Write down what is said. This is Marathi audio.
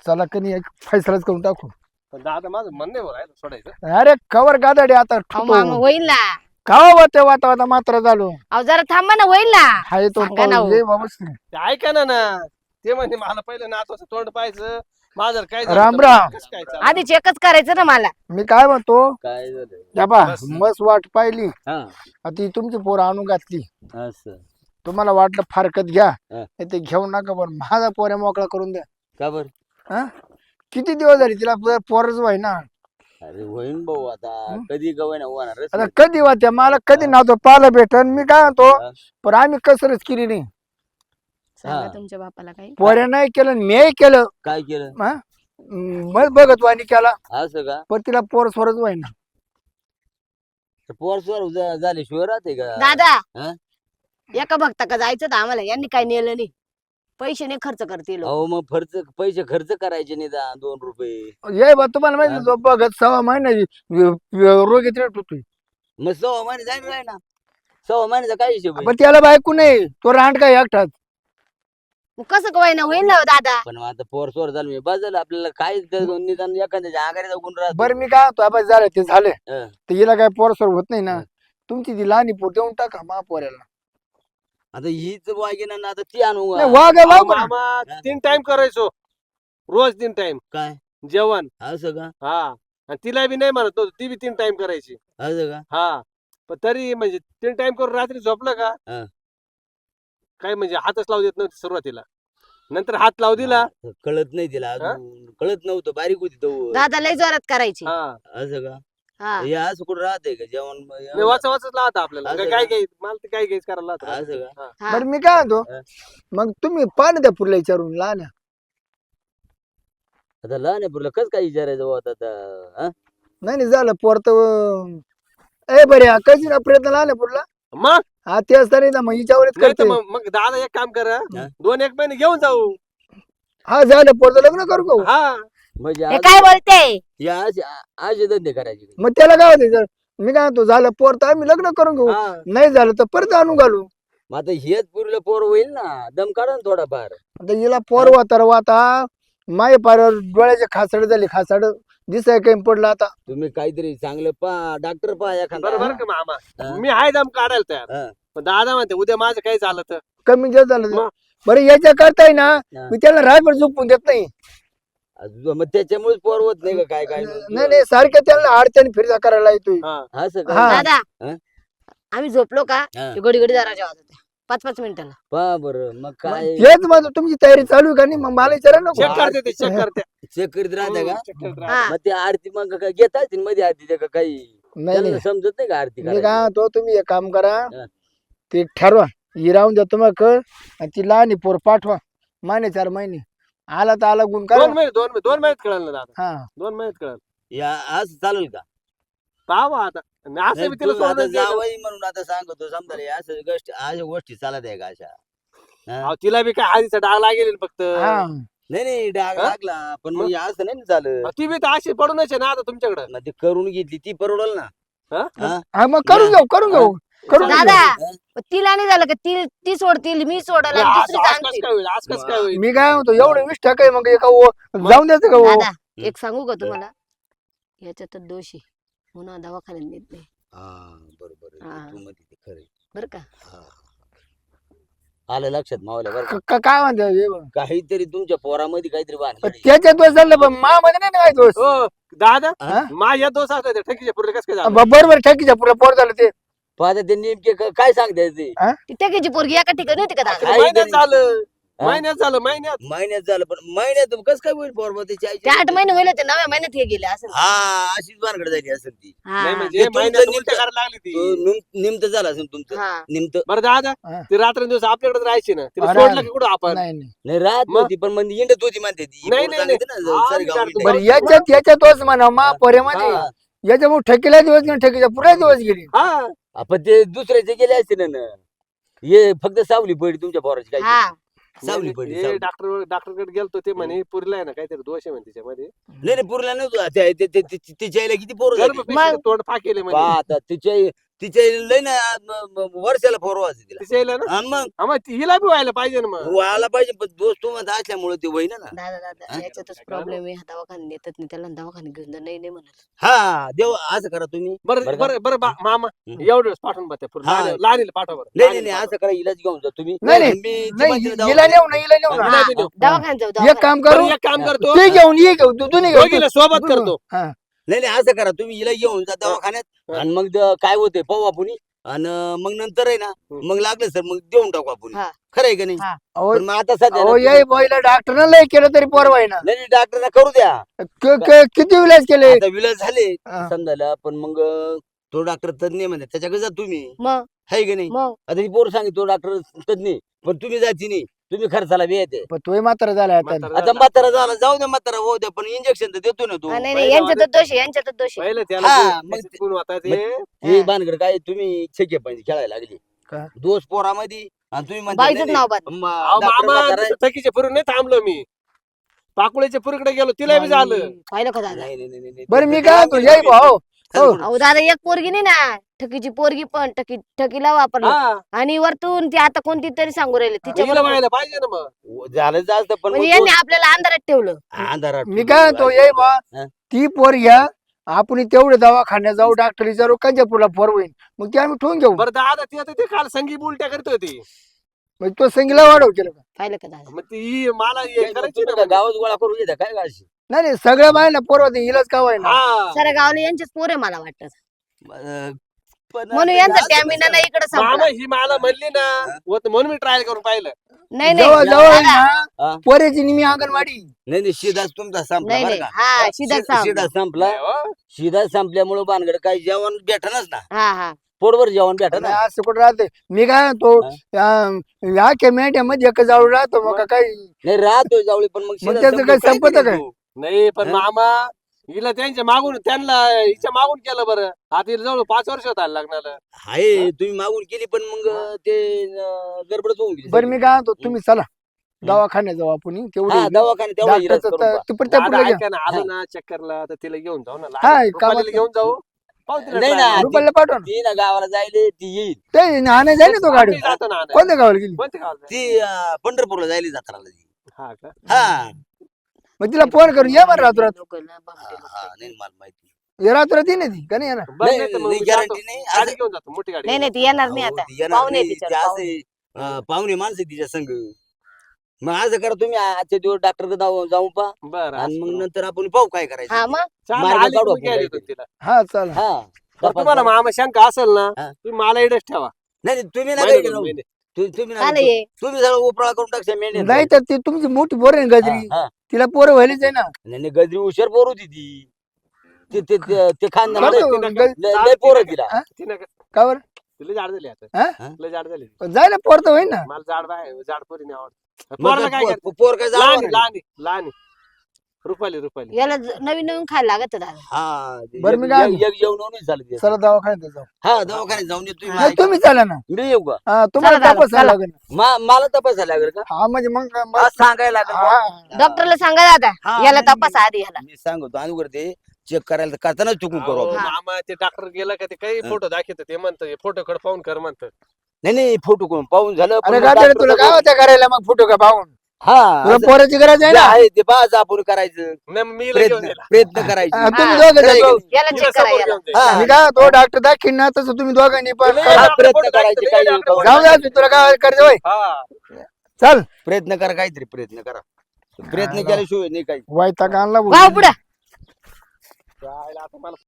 चला कनी एक फैसलाच करून टाकू. पण दादा माझं मन नाही राहिलं सोडायचं. अरे कवर गादाडे आता अहो मामा होईल ना. कावा होते वाता वाता मात्र झालो. अहो जरा थांबा ना, होईल ना. हाय तो सांगा ना हो. ये बाबा. ते ऐका ना ना ते म्हणजे मला पहिलं नातवाचं तोंड पाहायचं. माझं काय झालं राम तर राम. कसं काय चाललं? आधी चेकच करायचं ना मला. मी काय म्हणतो काय झालं बाबा बस. मस्त वाट पाहिली हा आता ती तुमची पोरं आणून घातली. असं तुम्हाला वाटलं फारकत घ्या हा. ते घेऊ नका पण माझा पोऱ्या मोकळा करून द्या. का बर हा किती दिवस झाले तिला पोरच व्हाय ना. अरे होईन भाऊ आता कधी गवय ना होणारच आता नाही. कधी वाटते मला कधी नव्हतं पाहायला भेटन. मी काय म्हणतो हा. पण आम्ही कसरच केली नाही. सांगा हा. तुमच्या बापाला काही. पोऱ्या नाही केलं मी केलं. काय केलं हा? मग बघत वाणी केला असं का पण तिला पोर स्वरच व्हाय ना. पोर स्वर झाल्याशिवाय राहते का दादा हा? एका भक्ता का जायचं तर आम्हाला यांनी काही नेलं नाही. पैसे नाही खर्च करतील. अहो मग पैसे खर्च करायचे नाही 2 रुपये. ये बा तुम्हाला माहिती जो बघत 6 महिन्याची रोग येते होतोय. मग 6 महिने जाईल राय ना 6 महिन्याचा काय हिशोब आहे? पण त्याला बायको नाही तो रांड काय एकटाच. मग कसं काय ना होईल ना हो दादा. पण मग आता पोर स्वर झालं मी बदल आपल्याला काय निदान एखाद्याच्या आगारी जाऊन राहतो. बरं मी काय तो झालं ते झालं हं. तर हिला काय पोर स्वर होत नाही ना. हं. तुमची ती लहानी पोर देऊन टाका मा पोऱ्याला. आता हीच वागिना ना आता ती आणू नाही, वाघ आहे, अहो, वाघ आहे. मामा 3 टाइम करायचो रोज 3 टाइम काय जेवण. असं का हा आणि तिला बी नाही म्हणत होतो ती बी 3 टाइम करायची. असं का हा पण तरी म्हणजे 3 टाइम करून रात्री झोपलं का हा. काय म्हणजे हातच लावू देत नव्हती सुरुवातीला. नंतर हात लावू दिला. कळत नाही तिला अजून कळत नव्हतं बारीक होती तो दादा लय जोरात करायची. हा असं का हा हे असं कुठं राहते का जेवण नाही, वाचा वाचच लावता आपल्याला असं काय का? काय घ्यायचं मला ते काय घ्यायचं करायला लावतं. असं का हा. हा. बरं मी काय म्हणतो हं. मग तुम्ही पाणी द्या पुरला विचारून लहान आहे. आता लहान आहे पुरलं कस काय विचारायचं बुवा आता हा? नाही नाही झालं पोर तर ए बरे कशी ना प्रयत्न लहान आहे पुरला. मग हा ते असता नाही ना मग हिच्यावरच नाही तर करते. मग दादा एक काम करा हा. 2-1 महिने घेऊन जाऊ. हा झालं पोरचं लग्न करू का हो? हा म्हणजे हे काय बोलते. या असे धंदे करायचे मग त्याला काय होते जर मी काय म्हणतो झालं पोर तर आम्ही लग्न करून घेऊ. हा. नाही झालं तर परत आणून घालू. मग आता हेच पुरीला पोर होईल ना दम काढा ना थोडाफार. आता हिला पोर वाता वाता माय पार डोळ्याचे खासाड झाले खासाड दिसाय काही पडलं आता. तुम्ही काहीतरी चांगलं पहा डॉक्टर पहा एखादा बरोबर का मामा हा. मी आहे दम काढायला तयार. हा. पण दादा म्हणते उद्या माझं काही झालं तर कमी जास्त झालं तर. मग? बरं याच्या करताय ना हा. मी त्याला रायभर झोपून देत नाही. मग त्याच्यामुळे पोर होत नाही का काय नाही नाही सारख्या त्याला अडचणी फिरजा करायला येतोय. हा असं का हा. दादा हा? आम्ही झोपलो का हा. ते घडी घडी दरवाजा वाजत होत्या 5-5 मिनिटाला. पहा बरं मग काय हेच माझं तुमची तयारी चालू आहे का नाही मग मला विचारा नको. चेक करते ते चेक करते. चेक करीत राहता का चेक करत राहते. हा मग ते आरती मग काय घेता येतील मध्ये आरती का काही नाही त्यांना नाही समजत नाही का आरती मी करायची? काय म्हणतो तुम्ही एक काम करा हा. ते ठरवा ही राहून द्या तुम्हाला कळ आणि ती लहान आहे पोर पाठवा 4 महिने आला तर आला गुण 2 करा. महिने 2 महिन्यात कळलं ना दादा. हा 2 महिन्यात कळलं. या असं चालेल का पाहा आता आणि असं नाही, बी तिला तू आता सोडून द्यायचं. जावई म्हणून आता सांगतो समजा रे, असं अशा गोष्टी चालत आहे का अशा हा? अहो, तिला बी काय हळदीचा डाग लागेल फक्त. हा नाही नाही डाग हा? लागला पण मग मग? हे असं नाही ना झालं अहो, ती बी तर अशी पडूनच आहे ना आता तुमच्याकडं. मग ते करून घेतली ती परवडल ना हा? हा? हा मग करून घेऊ करून घेऊ. दादा तिला नाही झालं का ती सोडतील मी सोडल आणि आज दुसरी आज कसं सांगतील. काय होईल आज कसं काय होईल. मी काय म्हणतो एवढं 20 टक्के मग एका जाऊन द्यायचं का दादा एक सांगू का तुम्हाला याच्यात दोष आहे म्हणून दवाखान्यात नेत नाही हा बरोबर आहे. हा. तू म्हणते ते खरं आहे. बरं का. हा. आलं लक्षात मावल्या बरं का? काय म्हणतो हे बघ. काहीतरी तुमच्या पोरामध्ये काहीतरी भानगड आहे. त्याच्या दोष झालं पण मध्ये नाही ना काय दोष. हो दादा हा? माझ्या दोष असला ठकीच्या पुढे कसं काय झालं. बरोबर ठकीच्या पुढे पोर झालं ते. पाहता ते नेमके काय सांगताय ते ती टकेची पोरगी एका ठिकाणी होती का दादा. काय महिन्यात तरी- झालं हा? महिन्यात झालं महिन्यात. महिन्यात झालं पण महिन्यात कसं काय होईल पोर त्याची ते 8 महिने होईल ते 9व्या महिन्यात हे गेले असं. हा अशीच भानगड झाली असेल ती हा. नाही म्हणजे ते तुमचं महिन्यात निमित्त- उलट्या करायला लागली तो ती. निमत झालं असेल तुमचं हा. निमत बरं दादा हा. ती रात्रंदिवस आपल्याकडे राहायची ना तिला अरे. सोडलं की कुठं आपण. नाही नाही नाही राहत मग? नव्हती पण मग इंडत होती म्हणते ती नाही, पोर नाही, सांगते ना, हा, सारी मी गाव काढतो. इंडत. बरं याच्यात तोच म्हणा मा पोऱ्यामध्ये हा. याच्यामुळे ठकीला दिवस गेले ठकीच्या पुढे दिवस गेले. हा आपण ते दुसऱ्याचे गेले असते ना हे फक्त सावली पडली तुमच्या पोराची काय हा सावली पडली हे सावली. डॉक्टरकडे गेलतो ते म्हणे पुरीला आहे ना काहीतरी दोष आहे म्हणे तिच्यामध्ये. नाही नाही पुरला नव्हतं तिच्या आईला किती पोर गर्भपेशीचं तोंड फाकेले म्हणे. आता तिच्या तिच्या लय ना वर्षाला फोरवायचं तिला तिच्या आईला ना आणि मग हा, मग हिला बी व्हायला पाहिजे ना मग व्हायला पाहिजे पण दोस्त तुम्हाला असल्यामुळे ते होईना ना दादा याच्यातच प्रॉब्लेम आहे दवाखान्यात नेतात नाही त्याला दवाखान्यात घेऊन जा नाही म्हणत हा देव असं करा तुम्ही बरं बरं का? बरं बरं मामा हं. एवढं पाठवून बघते हा. लहानीला पाठवा बरं नाही नाही लहानीला असं करा इलाज घेऊन जा तुम्ही नाही, नाही. मी ती नाही म्हणते ना हिला नेऊ ना हिला नेऊ हा, ना हिला बी नेऊ. दवाखान्यात जाऊ एक दवाखान्यात. काम बरं, करू एक काम करतो ते घेऊन ये घेऊ तू नाही घेऊ दोघीला सोबत करतो हा. नाही नाही असं करा तुम्ही हिला घेऊन जा दवाखान्यात हा. आणि मग काय होते पाहू आपण आणि मग नंतर आहे ना मग लागलं सर मग देऊन टाकू आपण हा. खरं आहे का नाही हा. अहो पण मग आता सध्या ना अहो तुम्ही- याय बॉयला डॉक्टरनं लय केलं तरी पोरवाय ना नाही डॉक्टरला करू द्या किती विलाज केले आता विलास झाले हा. समजायला पण मग तो डॉक्टर तज्ञ म्हणते त्याच्याकडे जा तुम्ही मग आहे का नाही मग आता ही पोर सांगितलं तो डॉक्टर तज्ञ पण तुम्ही जायची नाही तुम्ही खर्चाला बी येते पण तोही मात्र झालाय आता म्हातारं आता झालं. म्हातारा झाला जाऊ द्या म्हातारा होऊ द्या पण इंजेक्शन तर देतो ना तू हा, नाही पहिलं यांच्यातच दोष आहे यांच्यातच दोष आहे पहिलं त्याला हा, गुण- मग त्याचे गुण होता ते हे भानगड काय तुम्ही छेके पाहिजे खेळायला लागली का? दोष पोरामध्ये आणि तुम्ही म्हणता बाईचंच नाही, नाव बाद नाही, अहो, डॉक्टरला मामा करायचं. नुसतं थकीच्या पुरून नाही थांबलो मी पाकुळ्याच्या पुरीकडे गेलो तिला बी झालं पाहिलं का दादा नाही, नाही, नाही, नाही, बरं मी ते काय लागलं म्हणतो याय नाही. भाऊ हो. अहो दादा एक पोरगी नाही ना ठकीची पोरगी पण ठकीला वापरलं हा आणि वरतून ती आता कोणती तरी सांगू राहिले तिच्या हिला बरोबर. व्हायला पाहिजे ना मग झालं जास्त पण म्हणजे मग यांनी आपल्याला अंधारात ठेवलं दोन- अंधारात मी काय म्हणतो याय बा हा. ती पोर घ्या आपण तेवढे दवाखान्यात जाऊ डॉक्टर विचारू कंच्या पुढला पोर होईल मग ते आम्ही ठेवून घेऊ बरं दादा ती आता ते काल संगी उलट्या करत होती मग तो संगीला वाढव केलं का पाहिलं का दादा मग ती मला हे काय करायची तुम्ही ना काय गावात गोळा करून घेता काय गाशी नाही नाही सगळ्या बायला पोर होते हिलाच का ना हा साऱ्या गावला यांचेच पोरे मला वाटत पण म्हणून आता यांचा असं टॅमिना कसं? इकडे मामा संपला ही मला म्हणली ना होत म्हणून मी ट्रायल करून पाहिलं नाही जवळ नाही जवळ दादा, हा. पोरेची निमी अंगणवाडी नाही नाही शिदाच तुमचा संपला नाही बरं नाही का हा शिदा शिदा संपला नाही हो. शिदा संपल्यामुळे भानगड काही जेवण भेटणच ना हा हा पोटभर जेवण भेटन नाही, असं कुठं राहते मी काय म्हणतो या मेंढ्यामध्ये एक जाऊ राहतो मग काही नाही राहतोय जावळी पण मग शिदा त्याचं संपलं, काय काय संपतं करीन काय? तू? नाही पण हा? मामा हिला त्यांच्या मागून त्यांना हिच्या मागून केलं बरं आता हिला जवळ 5 वर्ष होत आलं लग्नाला हाय तुम्ही मागून केली पण मग ते गडबडच होऊन गेली बरं मी काय म्हणतो तुम्ही चला दवाखान्यात जाऊ आपण हा तेवढी दवाखाने तेवढा इलाज डॉक्टरचं करून तर पहा. ते पण त्या दादा, पुढे ऐका ना आलो ना चक्करला तर तिला घेऊन जाऊ ना हा, लहान कामात- रुपालीला घेऊन जाऊ पाहू तिला नाही try ना, करून. रुपयाला पाठवा ना. ती ना गावाला जायले ती येईल ते नाणे जाईल ना तो गाडी आम्ही जातो ना आणायला. कोणत्या गावाला गेली कोणत्या गावाला ती पंढरपूरला जायली जत्राला ती. हा का हा मग तिला फोन करून ये बरं रात्रात लोकांना भामटे लोकं. हा, नाही मला माहिती ये रात्रात ये ना ती का नाही येणार बरं, नाही, नाही तर मग नाही, मी जातो. guarantee नाही. गाडी असं- घेऊन जातो मोठी गाडी नाही घेऊन नाही ती येणार नाही अहो, आता ती येणार पाहुणे नाही, तिच्या ती असे पाहुणे माणसं आहे तिच्या संग मग असं करा तुम्ही आजच्या दिवस डॉक्टर जाऊ जातो. पा बरं आणि मग असं. नंतर आपण पाहू काय करायचं हा मग चालेल, मार्ग आली काढू की मग आपण घ्यायला काहीतरी. येतो तिला. हा चला हा बरं, तुम्हाला तपास मामा शंका असेल ना हा. तुम्ही मला इडच ठेवा नाही नाही, तुम्ही ना महिने काही दोन करू. महिने. तुम्ही का ना नाही ये? तुम्ही सगळं उपळा करून टाकशा मेंढ्या नाही तर ती तुमची मोठी पोर आहे ना गजरी तिला पोरं व्हायलीच आहे ना नाही नाही, गजरी हुशार पोर होती ती ते खानदान करतो, मामा, तिला गज- काय- लय पोरं तिला हा? तिनं का- का बरं तिला जाड झाली आता हा? लय जाड झाली पण जायला पोर तर होईल ना मला जाड बाय जाड पोरी नाही आवडत मग पोराला काय करते? पोर काय लहान जावं लहान लहान रुपाली रुपाली याला नवीन नवीन खायला लागत दादा हा बरं, मी काय एक जेवण नाही झालं ते. चला दवाखान्यात जाऊ हा दवाखान्यात जाऊन येतो नाही तुम्ही चला ना मी येऊ का हा, तुम्हाला चला, तपासायला चला. लागेल मला तपासायला लागेल का हा म्हणजे मग आज सांगायला लागेल का? हा. डॉक्टरला सांगा दादा हा, याला नाही, तपास आधी याला मी सांगतो अगोदर ते चेक करायला तर करतानाच चुकून करू अहो, आपण. मामा ते डॉक्टर गेला का ते काही हा. फोटो दाखवत ते म्हणतं फोटो कडे पाहून कर म्हणतं नाही नाही फोटो करून पाहून झालं पण अरे मग गाडी डॉक्टर तुला काय तर- होत्या करायला मग फोटो का पाहून हा तुला असं पोराची गरज आहे जे ना आहे ते पाहायचं आपण करायचं नाही मग मी घेऊन प्रयत्न यायला प्रयत्न करायचे हा, तुम्ही हा. दोघं खरं आहे जाऊ. की याला हिला चेक करा समोर याला घेऊन जायचं. हा. मी काय तो डॉक्टर दाखीन ना तसं तुम्ही दोघांनी पण नाही, करा. नाही, प्रयत्न फोटो करायचे, दाखवते, काही नाही, होतं. जाऊ द्या तू तुला काय करायचं होय हा चल प्रयत्न करा काहीतरी प्रयत्न करा प्रयत्न केल्याशिवाय नाही काही वैताग आणला वाव पुढं जायला आता मला